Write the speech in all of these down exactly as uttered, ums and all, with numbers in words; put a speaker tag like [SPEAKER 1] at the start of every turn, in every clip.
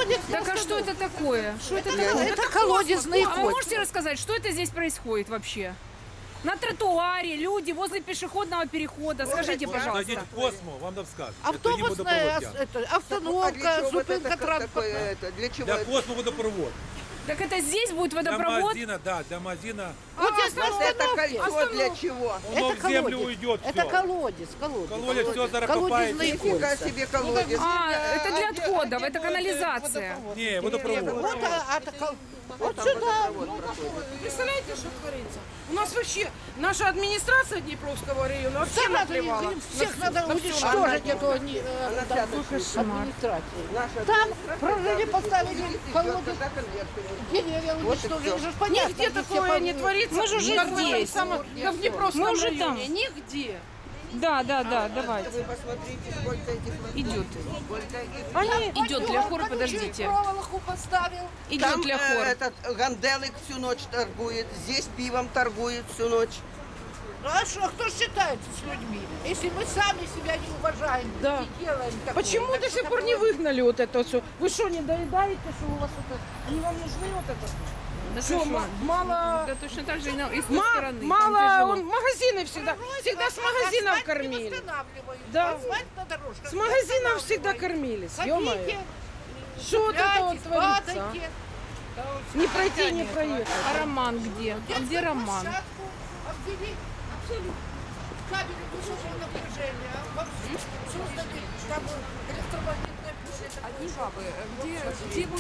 [SPEAKER 1] колодец.
[SPEAKER 2] Так а что это такое? Что это
[SPEAKER 1] Это,
[SPEAKER 2] такое?
[SPEAKER 1] это колодезные
[SPEAKER 2] А вы
[SPEAKER 1] кочки.
[SPEAKER 2] можете рассказать, что это здесь происходит вообще? На тротуаре, люди возле пешеходного перехода. Скажите,
[SPEAKER 3] Зайдите
[SPEAKER 2] пожалуйста.
[SPEAKER 3] в Космо, вам там скажут.
[SPEAKER 1] Автобусная,
[SPEAKER 3] Это не
[SPEAKER 1] ос- это,
[SPEAKER 4] А для
[SPEAKER 1] остановка,
[SPEAKER 4] чего вот
[SPEAKER 1] зупинка
[SPEAKER 4] это, как такое,
[SPEAKER 1] транспортная.
[SPEAKER 4] это, для чего
[SPEAKER 3] Для
[SPEAKER 4] это?
[SPEAKER 3] Космо водопровод.
[SPEAKER 2] Так это здесь будет
[SPEAKER 3] Для
[SPEAKER 2] водопровод?
[SPEAKER 3] магазина, да, для магазина.
[SPEAKER 1] Вот здесь на
[SPEAKER 4] Вот это
[SPEAKER 1] остановке.
[SPEAKER 4] кольцо для чего?
[SPEAKER 3] Оно
[SPEAKER 1] Это
[SPEAKER 3] в землю
[SPEAKER 1] колодец.
[SPEAKER 3] уйдет
[SPEAKER 1] Это
[SPEAKER 3] все.
[SPEAKER 1] колодец, колодец.
[SPEAKER 3] Колодец все
[SPEAKER 1] Колодезные
[SPEAKER 3] заракопает.
[SPEAKER 4] Нифига
[SPEAKER 1] кольца.
[SPEAKER 4] себе колодец.
[SPEAKER 2] А, это для отходов, это канализация.
[SPEAKER 3] Не, водопровод.
[SPEAKER 1] Вот, а, а, это кол- вот
[SPEAKER 4] Там
[SPEAKER 1] сюда.
[SPEAKER 4] водопровод проходит.
[SPEAKER 5] Представляете, что творится? У нас вообще наша администрация Днепровского района вообще
[SPEAKER 1] Всех надо,
[SPEAKER 5] наплевала.
[SPEAKER 1] всех надо уничтожить, эту они, э,
[SPEAKER 4] Она
[SPEAKER 1] да,
[SPEAKER 4] вся
[SPEAKER 1] администрацию.
[SPEAKER 4] Наша
[SPEAKER 1] Там
[SPEAKER 4] администрация
[SPEAKER 1] прорыли,
[SPEAKER 4] каждый
[SPEAKER 1] поставили
[SPEAKER 4] день идет,
[SPEAKER 1] колодец.
[SPEAKER 4] когда конверты идут.
[SPEAKER 1] Деревья
[SPEAKER 4] Вот и
[SPEAKER 1] уничтожили,
[SPEAKER 4] всё.
[SPEAKER 1] уже ж понятно.
[SPEAKER 5] Нигде
[SPEAKER 1] где все
[SPEAKER 5] такое не
[SPEAKER 1] по-
[SPEAKER 5] творится.
[SPEAKER 2] Мы же уже
[SPEAKER 5] как в этом
[SPEAKER 2] здесь.
[SPEAKER 5] самом- как в Днепровском
[SPEAKER 2] Мы уже
[SPEAKER 5] районе.
[SPEAKER 2] там.
[SPEAKER 5] Нигде.
[SPEAKER 2] Да, да, да, давайте.
[SPEAKER 4] Вы посмотрите, сколько этих лотков.
[SPEAKER 2] Идет.
[SPEAKER 4] Сколько их.
[SPEAKER 2] Они идет для хора,
[SPEAKER 1] Колючую
[SPEAKER 2] подождите.
[SPEAKER 1] проволоку поставил.
[SPEAKER 2] Идет
[SPEAKER 4] Там
[SPEAKER 2] для
[SPEAKER 4] э,
[SPEAKER 2] хора.
[SPEAKER 4] этот Ганделик всю ночь торгует, здесь пивом торгует всю ночь.
[SPEAKER 1] Ну а что, кто считается с людьми? Если мы сами себя не уважаем,
[SPEAKER 5] Да.
[SPEAKER 1] не делаем такого,
[SPEAKER 5] Почему
[SPEAKER 1] так
[SPEAKER 5] до
[SPEAKER 1] что
[SPEAKER 5] сих пор не
[SPEAKER 1] такое?
[SPEAKER 5] выгнали вот это все? Вы что, не доедаете, что у вас это? Они вам нужны вот это?
[SPEAKER 2] Да
[SPEAKER 5] Что,
[SPEAKER 2] ты
[SPEAKER 5] ма- мало...
[SPEAKER 2] Да точно так же и, на- и с той
[SPEAKER 5] Ма-
[SPEAKER 2] стороны. там
[SPEAKER 5] мало,
[SPEAKER 2] тяжело.
[SPEAKER 5] он, магазины всегда, всегда с магазинов
[SPEAKER 1] Асфальт не
[SPEAKER 5] кормили.
[SPEAKER 1] восстанавливают.
[SPEAKER 5] Да.
[SPEAKER 1] Асфальт на дорожках
[SPEAKER 5] С
[SPEAKER 1] не
[SPEAKER 5] магазинов всегда
[SPEAKER 1] восстанавливают.
[SPEAKER 5] кормились,
[SPEAKER 1] Ходите,
[SPEAKER 5] ё-моё. Что вот это вот
[SPEAKER 1] цепляйтесь,
[SPEAKER 5] творится?
[SPEAKER 1] падайте.
[SPEAKER 5] а? Не пройти, не проехать.
[SPEAKER 2] А Роман где? А где Роман?
[SPEAKER 1] Площадку обвели абсолютно. Кабели высокого напряжения, во всем созданы там электромагнитное поле.
[SPEAKER 6] Одни бабы. Где, где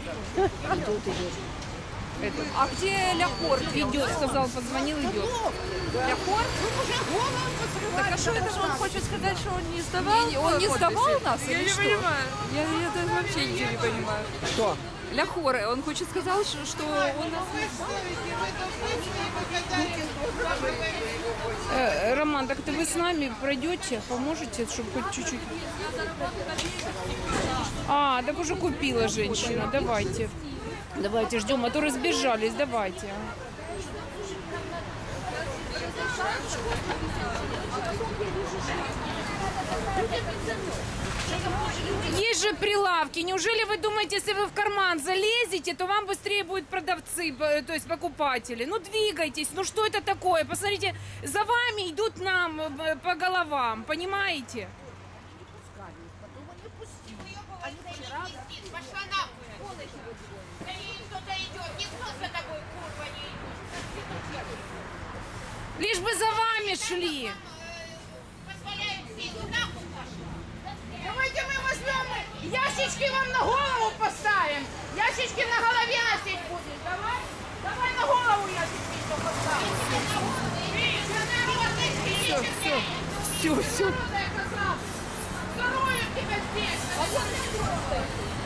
[SPEAKER 6] мужик? А где Ляхор?
[SPEAKER 2] Идет, сказал, позвонил, идет.
[SPEAKER 6] Ляхор? Так а что это он хочет сказать, что он не сдавал? Он не сдавал нас? Я не понимаю. Я, я даже вообще ничего не понимаю.
[SPEAKER 5] Что?
[SPEAKER 6] Ляхор, он хочет сказать, что, что он нас не сдал.
[SPEAKER 2] Э, Роман, так ты вы с нами пройдете, поможете, чтобы хоть чуть-чуть. А, так уже купила женщина. Давайте. Давайте ждем, а то разбежались. Давайте. Есть же прилавки. Неужели вы думаете, если вы в карман залезете, то вам быстрее будут продавцы, б- то есть покупатели? Ну двигайтесь, ну что это такое? Посмотрите, за вами идут нам э, по головам, понимаете?
[SPEAKER 7] Пошла нахуй, сволочь. За ней кто-то идет, никто за тобой, курва, не идет.
[SPEAKER 2] Лишь бы за вами шли.
[SPEAKER 7] Позволяют все, ну нахуй пошла.
[SPEAKER 5] Давайте мы возьмем, ящички вам на голову поставим. Ящички на голове носить будешь. Давай, давай на голову ящички еще поставим.
[SPEAKER 2] Все, все, все, все.
[SPEAKER 5] Здоровья тебя здесь. А вот не трогай.